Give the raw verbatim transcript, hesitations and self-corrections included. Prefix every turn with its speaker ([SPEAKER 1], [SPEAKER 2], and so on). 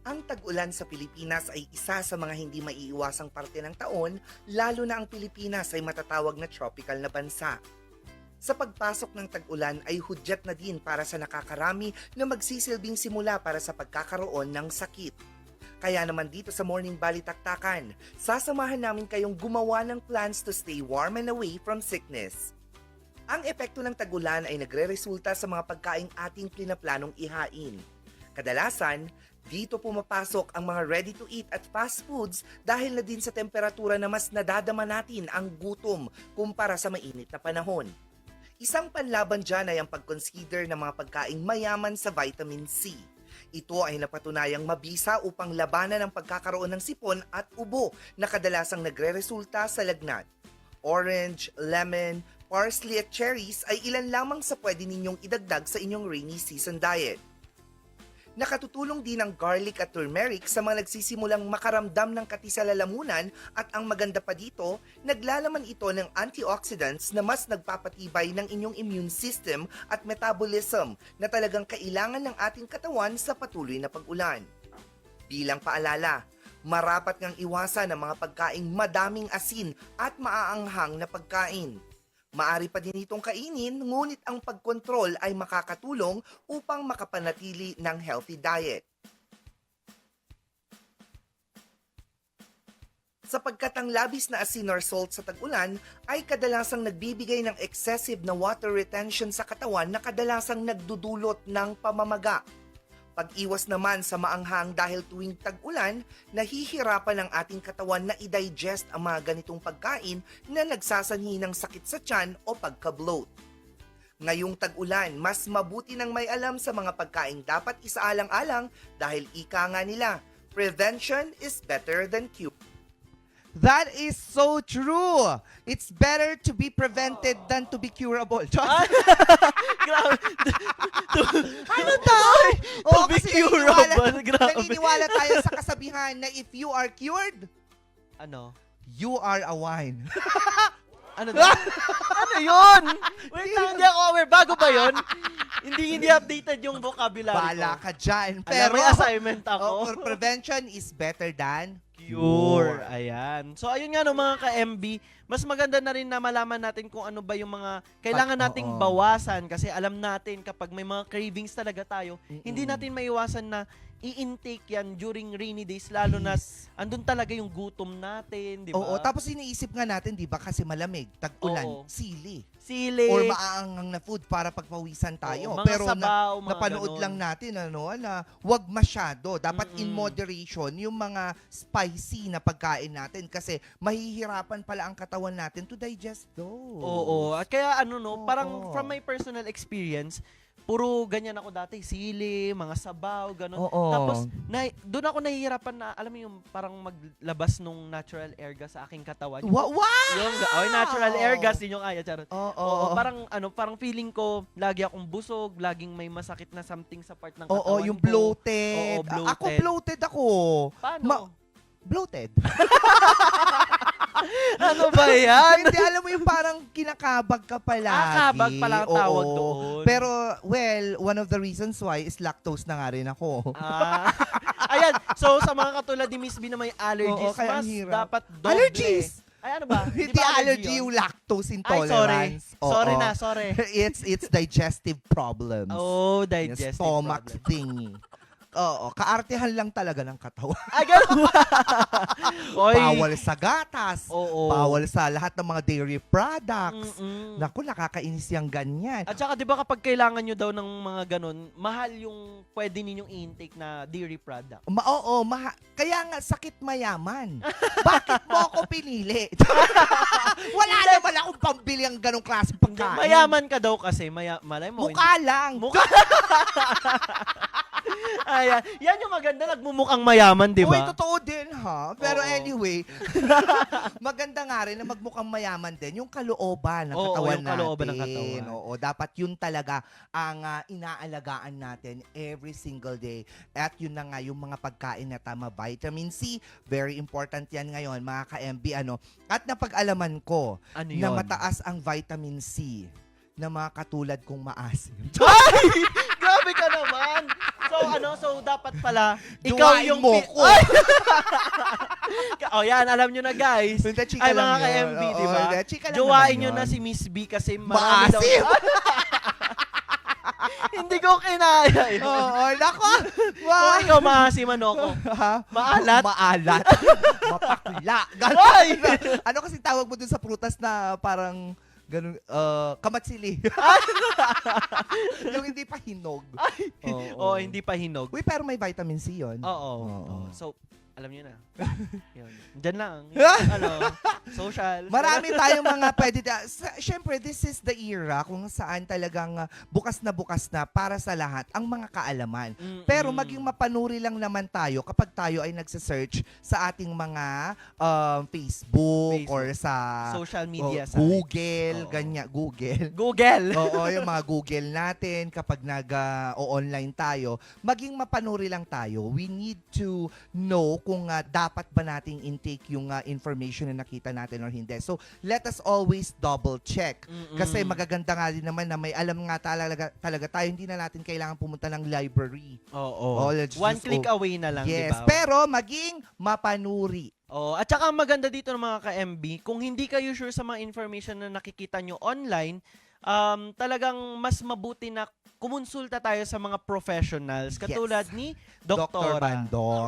[SPEAKER 1] Ang tag-ulan sa Pilipinas ay isa sa mga hindi maiiwasang parte ng taon, lalo na ang Pilipinas ay matatawag na tropical na bansa. Sa pagpasok ng tag-ulan ay hudyat na din para sa nakakarami na magsisilbing simula para sa pagkakaroon ng sakit. Kaya naman dito sa Morning Balitaktakan, sasamahan namin kayong gumawa ng plans to stay warm and away from sickness. Ang epekto ng tag-ulan ay nagre-resulta sa mga pagkaing ating pinaplanong ihain. Kadalasan, dito pumapasok ang mga ready-to-eat at fast foods dahil na din sa temperatura na mas nadadama natin ang gutom kumpara sa mainit na panahon. Isang panlaban dyan ay ang pag-consider ng mga pagkaing mayaman sa vitamin C. Ito ay napatunayang mabisa upang labanan ang pagkakaroon ng sipon at ubo na kadalasang nagre-resulta sa lagnat. Orange, lemon, parsley at cherries ay ilan lamang sa pwede ninyong idagdag sa inyong rainy season diet. Nakatutulong din ang garlic at turmeric sa mga nagsisimulang makaramdam ng kati sa lalamunan at ang maganda pa dito, naglalaman ito ng antioxidants na mas nagpapatibay ng inyong immune system at metabolism na talagang kailangan ng ating katawan sa patuloy na pag-ulan. Bilang paalala, marapat ngang iwasan ang mga pagkaing madaming asin at maaanghang na pagkain. Maari pa din itong kainin, ngunit ang pagkontrol ay makakatulong upang makapanatili ng healthy diet. Sapagkat ang labis na asin or salt sa tag-ulan ay kadalasang nagbibigay ng excessive na water retention sa katawan na kadalasang nagdudulot ng pamamaga. Pag-iwas naman sa maanghang dahil tuwing tag-ulan, nahihirapan ang ating katawan na i-digest ang mga ganitong pagkain na nagsasanhi ng sakit sa tiyan o pagka-bloat. Ngayong tag-ulan, mas mabuti nang may alam sa mga pagkain dapat isaalang-alang dahil ika nga nila, prevention is better than cure.
[SPEAKER 2] That is so true. It's better to be prevented than to be curable.
[SPEAKER 3] Grabe.
[SPEAKER 2] Ano daw?
[SPEAKER 3] To be
[SPEAKER 2] kasi
[SPEAKER 3] curable.
[SPEAKER 2] naniniwala,
[SPEAKER 3] Grabe.
[SPEAKER 2] naniniwala tayo sa kasabihan na if you are cured,
[SPEAKER 3] Ano?
[SPEAKER 2] you are a wine.
[SPEAKER 3] Ano daw? Ano yun? Wait lang, hindi ako aware. Bago ba yun? Hindi hindi updated yung vocabulary
[SPEAKER 2] Bala
[SPEAKER 3] ko.
[SPEAKER 2] ka dyan.
[SPEAKER 3] Pero, may assignment ako.
[SPEAKER 2] oh, prevention is better than
[SPEAKER 3] Cure. Ayan. So, ayun nga no, mga ka-M B, mas maganda na rin na malaman natin kung ano ba yung mga kailangan
[SPEAKER 2] Pag-
[SPEAKER 3] nating
[SPEAKER 2] oo.
[SPEAKER 3] bawasan kasi alam natin kapag may mga cravings talaga tayo,
[SPEAKER 2] Mm-mm.
[SPEAKER 3] hindi natin maiwasan na i-intake yan during rainy days, lalo na andun talaga yung gutom natin, di ba?
[SPEAKER 2] Oo, tapos iniisip nga natin, di ba, kasi malamig, tag-ulan,
[SPEAKER 3] Oo.
[SPEAKER 2] sili.
[SPEAKER 3] Sili,
[SPEAKER 2] Or maaangang na food para pagpawisan tayo.
[SPEAKER 3] oo, mga
[SPEAKER 2] Pero na,
[SPEAKER 3] sabaw, mga
[SPEAKER 2] napanood
[SPEAKER 3] ganon.
[SPEAKER 2] lang natin ano, na wag masyado. Dapat in
[SPEAKER 3] Mm-mm.
[SPEAKER 2] moderation yung mga spicy na pagkain natin kasi mahihirapan pala ang katawan natin to digest those.
[SPEAKER 3] Oo. At kaya ano no,
[SPEAKER 2] Oo.
[SPEAKER 3] parang from my personal experience, puro ganyan ako dati, sili, mga sabaw, ganun.
[SPEAKER 2] Oo.
[SPEAKER 3] Tapos, na, doon ako nahihirapan na, alam mo yung parang maglabas nung natural air gas sa aking katawan. Yung,
[SPEAKER 2] Wa- wow!
[SPEAKER 3] yung oh, natural air gas din yung kaya, charot.
[SPEAKER 2] Oo.
[SPEAKER 3] Oo, parang ano, parang feeling ko lagi akong busog, laging may masakit na something sa part ng katawan
[SPEAKER 2] Oo, yung
[SPEAKER 3] ko.
[SPEAKER 2] bloated.
[SPEAKER 3] Oo, bloated.
[SPEAKER 2] Ako bloated ako.
[SPEAKER 3] Paano?
[SPEAKER 2] Ma- bloated.
[SPEAKER 3] ano ba yan?
[SPEAKER 2] Hindi, alam mo yung parang kinakabag ka palagi.
[SPEAKER 3] Ah, kabag pala ang tawag
[SPEAKER 2] Oo.
[SPEAKER 3] doon.
[SPEAKER 2] Pero, well, one of the reasons why is lactose na nga rin ako.
[SPEAKER 3] Ah, ayan, so sa mga katulad ni Miss B na may allergies,
[SPEAKER 2] Oo, kaya ang
[SPEAKER 3] mas
[SPEAKER 2] hirap.
[SPEAKER 3] dapat doble.
[SPEAKER 2] Allergies!
[SPEAKER 3] Ay, ano ba? Di
[SPEAKER 2] Hindi
[SPEAKER 3] ba
[SPEAKER 2] allergy
[SPEAKER 3] yun?
[SPEAKER 2] yung lactose
[SPEAKER 3] Ay, sorry.
[SPEAKER 2] intolerance. Oo.
[SPEAKER 3] Sorry na, sorry.
[SPEAKER 2] it's it's digestive problems.
[SPEAKER 3] Oh,
[SPEAKER 2] Yung
[SPEAKER 3] digestive
[SPEAKER 2] stomach
[SPEAKER 3] problem.
[SPEAKER 2] thingy. Oo, kaartehan lang talaga ng katawan.
[SPEAKER 3] Ah, ganun ba? Oy.
[SPEAKER 2] Bawal sa gatas.
[SPEAKER 3] Oo.
[SPEAKER 2] Bawal sa lahat ng mga dairy products.
[SPEAKER 3] Mm-mm.
[SPEAKER 2] Naku, nakakainis yung ganyan.
[SPEAKER 3] At saka, di ba kapag kailangan nyo daw ng mga ganun, mahal yung pwede ninyong intake na dairy product.
[SPEAKER 2] Ma oo, maha- kaya nga sakit mayaman. Bakit mo ako pinili? Wala naman akong pambili ang ganong klase pagkain.
[SPEAKER 3] Mayaman ka daw kasi, maya, malay mo.
[SPEAKER 2] Mukha lang.
[SPEAKER 3] Mukha. Ayan. Yan yung maganda, nagmumukhang mayaman, di
[SPEAKER 2] Uy,
[SPEAKER 3] ba?
[SPEAKER 2] totoo din ha. Pero
[SPEAKER 3] Oo.
[SPEAKER 2] anyway, maganda nga rin na magmukhang mayaman din yung kalooban ng
[SPEAKER 3] Oo,
[SPEAKER 2] katawan
[SPEAKER 3] yung kalooban ng
[SPEAKER 2] natin.
[SPEAKER 3] katawan.
[SPEAKER 2] Oo, dapat yun talaga ang ah, inaalagaan natin every single day. At yun na nga yung mga pagkain na tama, vitamin C, very important yan ngayon mga ka-M B. Ano. At napag-alaman ko
[SPEAKER 3] Ano
[SPEAKER 2] na
[SPEAKER 3] yun?
[SPEAKER 2] mataas ang vitamin C na mga katulad kong maasim.
[SPEAKER 3] Ay! Grabe ka naman! So ano, so dapat pala, ikaw
[SPEAKER 2] Duwain
[SPEAKER 3] yung...
[SPEAKER 2] mo
[SPEAKER 3] pi-
[SPEAKER 2] ko.
[SPEAKER 3] Ay! oh yan, alam nyo na guys.
[SPEAKER 2] Hindi, chika
[SPEAKER 3] Ay
[SPEAKER 2] lang
[SPEAKER 3] mga
[SPEAKER 2] yun.
[SPEAKER 3] ka-M B,
[SPEAKER 2] Oo,
[SPEAKER 3] di ba?
[SPEAKER 2] hindi, chika lang
[SPEAKER 3] Jowain
[SPEAKER 2] naman
[SPEAKER 3] nyo na
[SPEAKER 2] yun.
[SPEAKER 3] si Miss B kasi marami daw...
[SPEAKER 2] Maasim!
[SPEAKER 3] Hindi ko kinaya yun.
[SPEAKER 2] Oo, nako.
[SPEAKER 3] Kung
[SPEAKER 2] Wow.
[SPEAKER 3] ikaw maasim, ano ko?
[SPEAKER 2] Ha?
[SPEAKER 3] Maalat?
[SPEAKER 2] Maalat. Mapakla.
[SPEAKER 3] Ay!
[SPEAKER 2] Ano kasi tawag mo dun sa prutas na parang ganun, uh, kamatsili. Yung hindi pa hinog.
[SPEAKER 3] Oo, oh, hindi pa hinog.
[SPEAKER 2] Uy, pero may vitamin C yun.
[SPEAKER 3] Oo.
[SPEAKER 2] Oo.
[SPEAKER 3] So, alam niyo na. Yun. Diyan lang. ano, social.
[SPEAKER 2] Marami tayong mga pwede. ta- sa- Siyempre, this is the era kung saan talagang uh, bukas na bukas na para sa lahat ang mga kaalaman.
[SPEAKER 3] Mm-mm.
[SPEAKER 2] Pero maging mapanuri lang naman tayo kapag tayo ay nagsa-search sa ating mga um, Facebook,
[SPEAKER 3] Facebook.
[SPEAKER 2] or sa
[SPEAKER 3] social media
[SPEAKER 2] oh,
[SPEAKER 3] site.
[SPEAKER 2] Google,
[SPEAKER 3] Oo.
[SPEAKER 2] ganyan, Google.
[SPEAKER 3] Google.
[SPEAKER 2] Oo, yung mga Google natin kapag nag-online tayo, maging mapanuri lang tayo. We need to know kung uh, dapat ba nating intake yung uh, information na nakita natin or hindi. So, let us always double check.
[SPEAKER 3] Mm-mm.
[SPEAKER 2] Kasi magaganda nga din naman na may alam nga talaga, talaga tayo, hindi na natin kailangan pumunta ng library.
[SPEAKER 3] Oo.
[SPEAKER 2] Oh, let's
[SPEAKER 3] One
[SPEAKER 2] just-
[SPEAKER 3] click
[SPEAKER 2] oh,
[SPEAKER 3] away na lang,
[SPEAKER 2] yes,
[SPEAKER 3] di ba?
[SPEAKER 2] pero maging mapanuri.
[SPEAKER 3] Oh, at saka ang maganda dito ng mga ka-M B, kung hindi kayo sure sa mga information na nakikita nyo online, um, talagang mas mabuti na kumonsulta tayo sa mga professionals katulad ni
[SPEAKER 2] Doctor
[SPEAKER 3] Doktora.
[SPEAKER 2] Bandong.